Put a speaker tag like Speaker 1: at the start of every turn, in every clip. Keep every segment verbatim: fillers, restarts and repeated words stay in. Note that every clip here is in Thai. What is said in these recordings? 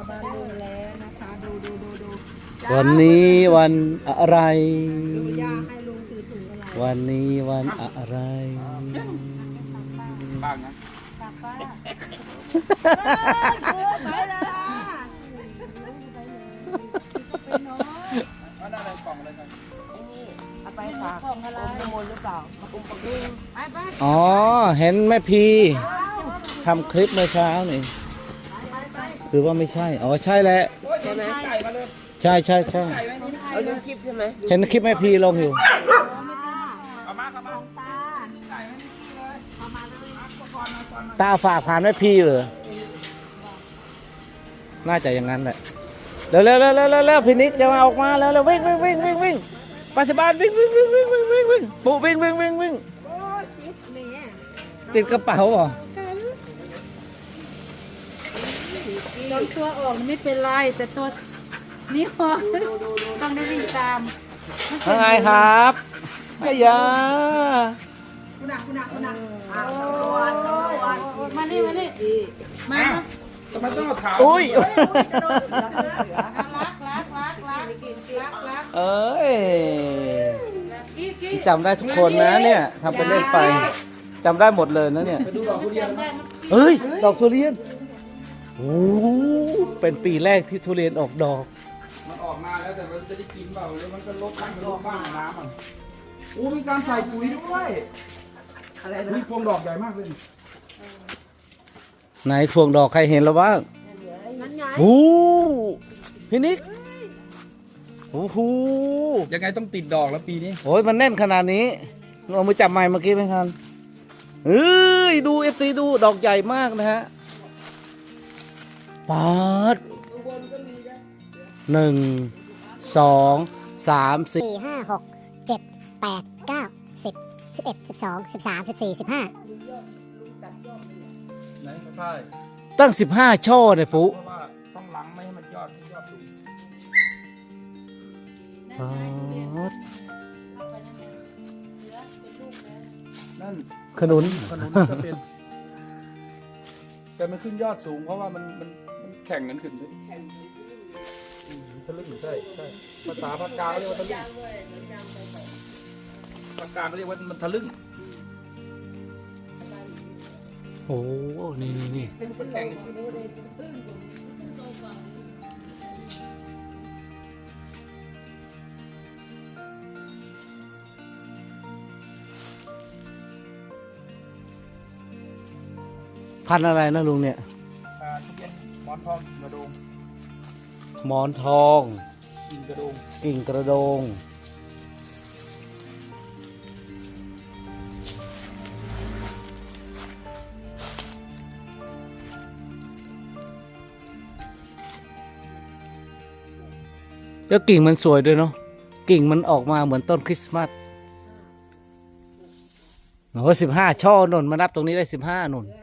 Speaker 1: บ้านลุงแล้วนะคะดูดูดูดู
Speaker 2: วันนี้วันอะไร
Speaker 1: ดูย่าให้ลุงถือถุงอะไร
Speaker 2: วันนี้วันอะไร
Speaker 3: บ้างนะ
Speaker 1: กลับบ้านเออไปแล้วล่ะ
Speaker 3: เอาหน้าอะไรกล่องอะไรกัน
Speaker 1: เอาไปฝากของอะไรน้ำมนต์หรือเปล่าอุ้มปะกุ้งไปไป
Speaker 2: อ๋อ เห็นแม่พีทำคลิปเมื่อเช้านี่หรือว่าไม่ใช่ อ๋อใช่แหละ
Speaker 3: ใช่ไหมไก่มาเลย
Speaker 2: ใช่ใช่ใช่
Speaker 3: ไก่ไหมนี่
Speaker 1: เอาเรื่องคลิปใช่ไหม
Speaker 2: เห็นคลิปแม่พีลงอยู่
Speaker 3: เอามาครับมา
Speaker 1: ตา
Speaker 3: ไก่ไหมนี่เลยเอามาเลยมาก่อนมาก่อนมา
Speaker 2: ตาฝากผ่านแม่พีเหรอน่าจะอย่างนั้นแหละเร็วเร็วเร็วเร็วเร็วเร็วพี่นิกจะมาออกมาแล้วเร็ววิ่งวิ่งวิ่งวิ่งวิ่งไปที่บ้านวิ่งวิ่งวิ่งวิ่งวิ่งวิ่งวิ่งปุ๊วิ่งวิ่งวิ่งวิ่ง
Speaker 1: โอ้ยคิดแม่
Speaker 2: ติดกระเป๋าเหรอ
Speaker 4: ตอนตัวออกไม่เป็นไรแต่ตัวนี้พอต้องได้วิ่งตาม
Speaker 2: ยังไงครับไอ้ยา
Speaker 1: คุณนักคุณนักคุณนักอ้าวตำรวจตำรวจ
Speaker 4: มานี่มานี่มา
Speaker 3: ทำไมต้องเอาถาม
Speaker 2: อุ้ย
Speaker 4: รักรักรักรักรักรัก
Speaker 2: เอ้ย
Speaker 4: กี้กี้
Speaker 2: จำได้ทุกคนนะเนี่ยทำเป็นเล่นไปจำได้หมดเลยนะเนี่ย
Speaker 3: ไปดูดอกทุเรียนนะ
Speaker 2: เฮ้ยดอกทุเรียนโอ้เป็นปีแรกที่ทุเรียนออกดอก
Speaker 3: มันออกมาแล้วแต่มันจะได้กินเปล่าหรือมันก็ลดบ้างลดบ้างน้ำมันโอ้มีการใส่ปุ๋ยด้วย
Speaker 1: อะไร
Speaker 3: มี
Speaker 1: นะ
Speaker 3: พวงดอกใหญ่มากเลย
Speaker 2: ไหนพวงดอกใครเห็นแล้วบ้าง
Speaker 1: นั่นไง
Speaker 2: โอ้พี่นิกโอ้โห
Speaker 3: ยังไงต้องติดดอกแล้วปีนี้
Speaker 2: โอ้ยมันแน่นขนาดนี้เอามือจับไม้เมื่อกี้ไหมครับเฮ้ยดูเอฟซีดูดอกใหญ่มากนะฮะปาดหนึ่งสองสามสี่
Speaker 5: สี่ห้าหกเจ็ดแปดเก้าสิบสิบเอ็ดสิบสองสิบสามสิบสี่สิบห้า
Speaker 3: ไหนใช่
Speaker 2: ตั้งสิบห้าช่อเลยปุ๊
Speaker 3: เพราะว่าต้องหลังไม่ให้มันยอดยอดสูง
Speaker 2: ปาด
Speaker 3: นั่น
Speaker 2: ขนุน
Speaker 3: ขนุนจะเป็นแต่มันขึ้นยอดสูงเพราะว่ามันมันมันแข่งกันขึ้นด้วยอืมทะลึ่งใช่ใช่ภาษาภาคกลางเรียกว่าทะลึ่งภาคกลางเรียกว่ามันทะลึ่ง
Speaker 2: โอ้นี่นี่นี่
Speaker 3: มันแข่งกัน
Speaker 2: พันธุ์อะไรนะลุงเนี่ย
Speaker 3: อ่าทุเรียนหมอนทองกระโดง
Speaker 2: หมอนทอง
Speaker 3: กิ่งกระโดง
Speaker 2: กิ่งกระโดงแล้วกิ่งมันสวยด้วยเนาะกิ่งมันออกมาเหมือนต้นคริสต์มาสโอ้สิบห้าช่อหนุนมานับตรงนี้ได้สิบห้าหนุน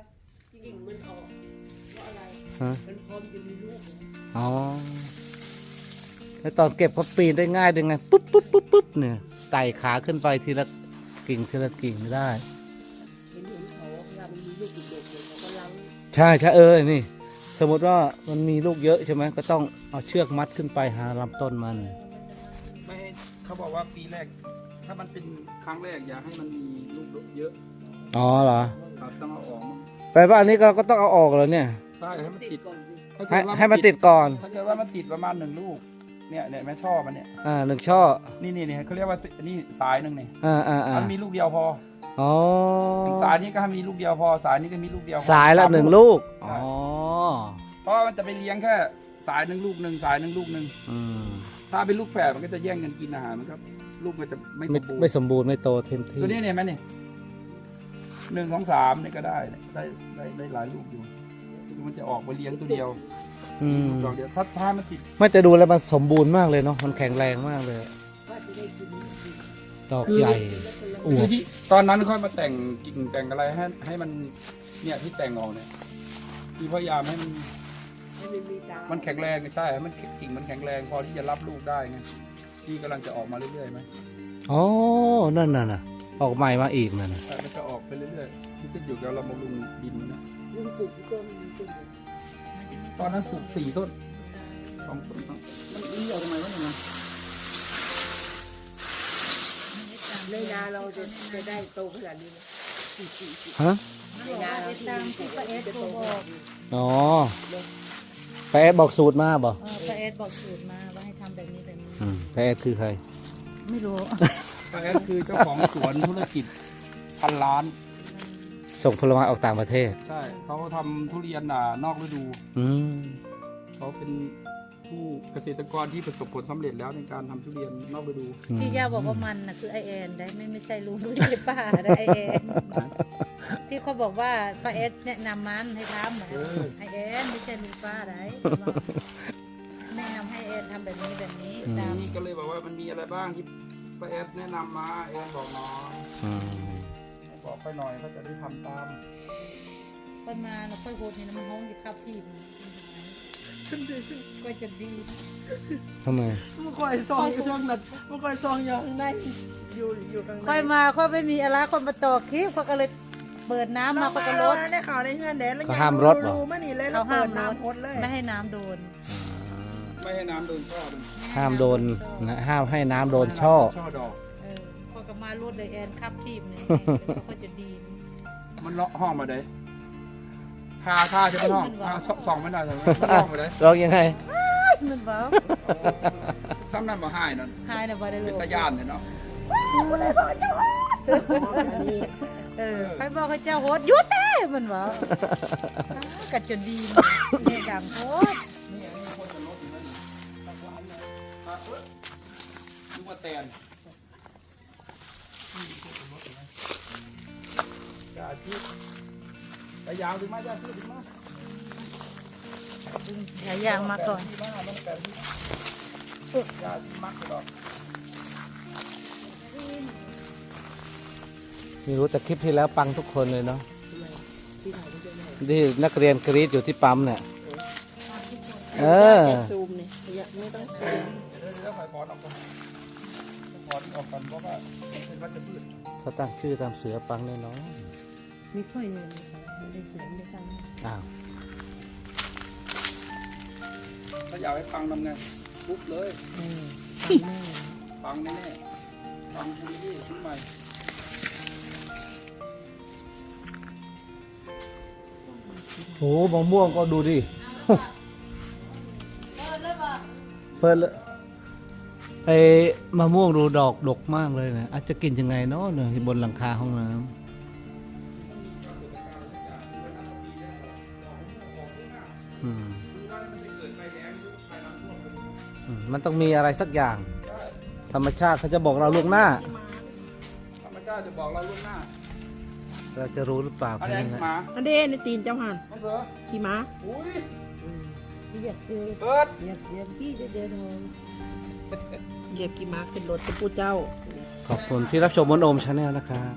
Speaker 2: ฮะอ๋อแล้วตอนเก็บก็ปีนได้ง่ายด้วยไงปุ๊บปุ๊บปุ๊บปุ๊บเนี่ยไต่ขาขึ้นไปทีละกิ่งทีละกิ่งได้ ใช่ใช่เออนี่ สมมติว่ามันมีลูกเยอะใช่ไหมก็ต้องเอาเชือกมัดขึ้นไปหาลำต้นมัน
Speaker 3: ไม่ให้เขาบอกว่าปีแรก ถ้ามันเป็นครั้งแรกอย่าให้มันมีลูกเยอะ
Speaker 2: อ๋อเหรอ
Speaker 3: ครับต้องเอาออก
Speaker 2: แปลว่าอันนี้เราก็ต้องเอาออกแล้วเนี่ย
Speaker 3: ใช่ให้มันติดถ้า
Speaker 2: ให้
Speaker 3: เกิดว่า
Speaker 2: ให้มันติดก่อน
Speaker 3: ถ้าเกิดว่ามันติดประมาณหนึ่งลูกเนี่ยเนี่ยแม่ช่อมันเนี่ย
Speaker 2: อ่าหนึ่งช่อ
Speaker 3: นี่นี่นี่เขาเรียกว่านี่สายหนึ่งเนี่ย
Speaker 2: อ่าอ่าอ่า
Speaker 3: มันมีลูกเดียวพอ
Speaker 2: อ๋อ
Speaker 3: สายนี้ก็ให้มีลูกเดียวพอสายนี้ก็มีลูกเดียวพอ
Speaker 2: สายละ
Speaker 3: สาม
Speaker 2: หนึ่งลูกอ๋อ
Speaker 3: เพราะว่ามันจะไปเลี้ยงแค่สายหนึ่งลูกหนึ่งสายหนึ่งลูกหนึ่ง
Speaker 2: อืม
Speaker 3: ถ้าเป็นลูกแฝดมันก็จะแย่งกันกินอาหารมันครับลูกมันจะไม่ส
Speaker 2: ไม่
Speaker 3: มบูร
Speaker 2: ไม่
Speaker 3: ณ์
Speaker 2: สมบูรณ์ไม่โตเต็มที่
Speaker 3: ตัวนี้เนี่ยไหมเนี่ยหนึ่งสองสามเนี่ยก็ได้เนี่ยได้ได้ได้หลายลูกอยู่มันจะออกไปเลี้ยงตัวเดียว
Speaker 2: อืม
Speaker 3: ดอกเดียวถ้าถ้ามันติด
Speaker 2: ไม่แต่ดูแล้วมันสมบูรณ์มากเลยเนาะมันแข็งแรงมากเลยดอกใหญ่อว
Speaker 3: คือบ ที่ตอนนั้นค่อยมาแต่งกิ่งแต่งอะไรให้ให้มันเนี่ยที่แต่งออกเนี่ยคือพยายามให้มันมันแข็งแรงใช่ให้มันกิ่งมันแข็งแรงพอที่จะรับลูกได้ไงที่กำลังจะออกมาเรื่อยๆไหม
Speaker 2: อ๋อนั่นน่ะนะออกใหม่มาอีกนั่นน่ะ
Speaker 3: ใช่มันจะออกไปเรื่อยๆที่ขึ้นอยู่กับเราบำรุงดินมันนะ
Speaker 1: ลุงปลูกต้นต้น
Speaker 3: ตอนนั้นปลูกสี่ต้นสองต้นครับมันเลี้ยวทำไมวะเนี่ย
Speaker 1: ในนาเราจะจะได้โตขนาดนี้ไหม
Speaker 2: ฮะ
Speaker 1: ในนาเรา
Speaker 4: ตามที่ป้าเอสโทรบอก
Speaker 2: อ๋อไปแอดบอกสูตรมาบ่
Speaker 4: เออป้าเอสบอกสูตรมาว่าให้ทำแบบนี้แบบนี้
Speaker 2: อืมไปแอดคือใคร
Speaker 4: ไม่รู้
Speaker 3: ป้าแอดคือเจ้าของสวนธุรกิจพันล้าน
Speaker 2: ส่งผลไม้ออกต่างประเทศ
Speaker 3: ใช่เขาทำทุเรียนอ่านอกฤดู
Speaker 2: อืม
Speaker 3: เขาเป็นผู้เกษตรกรที่ประสบผลสำเร็จแล้วในการทำทุเรียนนอกฤดู
Speaker 4: ที่ย่าบอกว่ามันนะคือไอแอนได้ไม่ไม่ใช่ลุงไม่ใช่ป้าได้ไอแอนที่เขาบอกว่าป้าเอสแนะนำมันให้ทำนะไอแอนไม่ใช่ลุงป้าได้แนะนำให้แอนทำแบบนี้แบบนี้ตาม
Speaker 3: นี่ก็เลยบอกว่ามันมีอะไรบ้างที่ป้าแอดแนะนำมาแอนบอกหน้อย
Speaker 2: อืม
Speaker 3: บอกไปหน่อยเขาจะได้ทำตาม
Speaker 4: ค่อยมาเราค่อยโหดนี่นะมันห้องอยู่ครับพี่ก็จะดี
Speaker 2: ทำไม
Speaker 1: มันคอยซองอยู่ข้างนั้นมันคอยซองอยู่ข้างในอยู่อยู่ข้างใน
Speaker 4: ค่อยมาค่อยไม่มีอะไรคนมาต่อคลิปเขาก็เลยเปิดน้ำ
Speaker 1: เรา
Speaker 4: มา
Speaker 1: มา
Speaker 4: เขาก็ล
Speaker 1: ร
Speaker 4: ด
Speaker 1: ถได้ข่าวในเงื่อนแดนแล้ว
Speaker 2: เขาห้ามรถเหรอ
Speaker 1: มานี่เลยแล้
Speaker 4: เขา
Speaker 1: ว
Speaker 4: ห้า
Speaker 1: เปิ
Speaker 4: ม
Speaker 1: ดน้ำพดเลย
Speaker 4: ไม่ให้น้ำโดน
Speaker 3: ไม่ให้น้ำโดนช่อมัน
Speaker 2: ห้ามโดนนะห้ามให้น้ำโดนช่อ
Speaker 3: ช่อดอก
Speaker 4: เออพอก็มารถเลยแอนขับทีมเนี่ยเขาก็จะดี
Speaker 3: มันเลาะห้องมาเลยทาทาใช่ไหมห้อง
Speaker 4: มันว่า
Speaker 3: อ่าช่อส่องไม่ได้ใช่ไหมมันห้องมาเลย
Speaker 2: ร้องยังไง
Speaker 4: มันเบา
Speaker 3: ซ้ำนั่นมาให้นั่น
Speaker 4: หายนะบ่ได้เล
Speaker 3: เป็น
Speaker 4: ย
Speaker 3: ตะยานเนี่ยเนาะ
Speaker 1: อันนี้
Speaker 4: เออใครบอกให้เจ้าโหดหยุดเด้มันเบากัดจนดีเนี่ยดังโคตร
Speaker 3: นี่อันนี้คนจะลดอยู่นั่นตะวันเนี่ยอ่ะเอ้ยนึกว่าแตนอย่าชื่อแต่ยาวถึงมาอย่าชื่อถึงมา
Speaker 4: หลายอย่างมาก่อน
Speaker 3: ที่มามันแปดที่อย่ามักหรอก
Speaker 2: ไม่รู้แต่คลิปที่แล้วปังทุกคนเลยเนาะที่นักเรียนกรีดอยู่ที่ปั๊มเนี่ย เออ
Speaker 1: ซูมนี่อย่าไม่ต้องซูม
Speaker 3: เดี๋ยวเดี๋ยวไฟพอดออกก่อนพอดออกก่อนเพราะว่าเป็นวัชพืช
Speaker 2: เขาตั้งชื่อตามเสือปังแน่นอน
Speaker 1: มีค่อยเนี่ยไม่ได้เสียไม่ได้กัน
Speaker 2: อ้าว
Speaker 3: ถ้าอยากให้ฟังทำไงปุ๊บเลย
Speaker 1: อืม
Speaker 3: ฟังแน่ๆฟังทีนี้ชุดใหม่
Speaker 2: โหมะม่วงก็ดูดิ เปิดเลยไอ้มะม่วงดูดอกดกมากเลยนะอาจจะกินยังไงเนาะเนี่ยบนหลังคาห้องน้ำอืมอืมมันต้องมีอะไรสักอย่าง ธรรมชาติเขาจะบอกเราล่วงหน้า
Speaker 3: ธรรมชาติจะบอกเราล่วงหน้า
Speaker 2: เราจะรู้หรือเปล่า
Speaker 3: อัน
Speaker 2: แค่
Speaker 3: นี้
Speaker 2: นั้นแหละ
Speaker 3: หมา
Speaker 1: อันเด้ในตีนเจ้าหัน
Speaker 3: น้องเสือ
Speaker 1: ขี่ม้า
Speaker 3: อุ้ย
Speaker 1: อยากเจอ
Speaker 3: เปิด
Speaker 1: อยากอยากขี่จะเดินหงเหยียบขี่ม้าขึ้นรถจะพูดเจ้า
Speaker 2: ขอบคุณที่รับชมมนโอมชาแนลนะครับ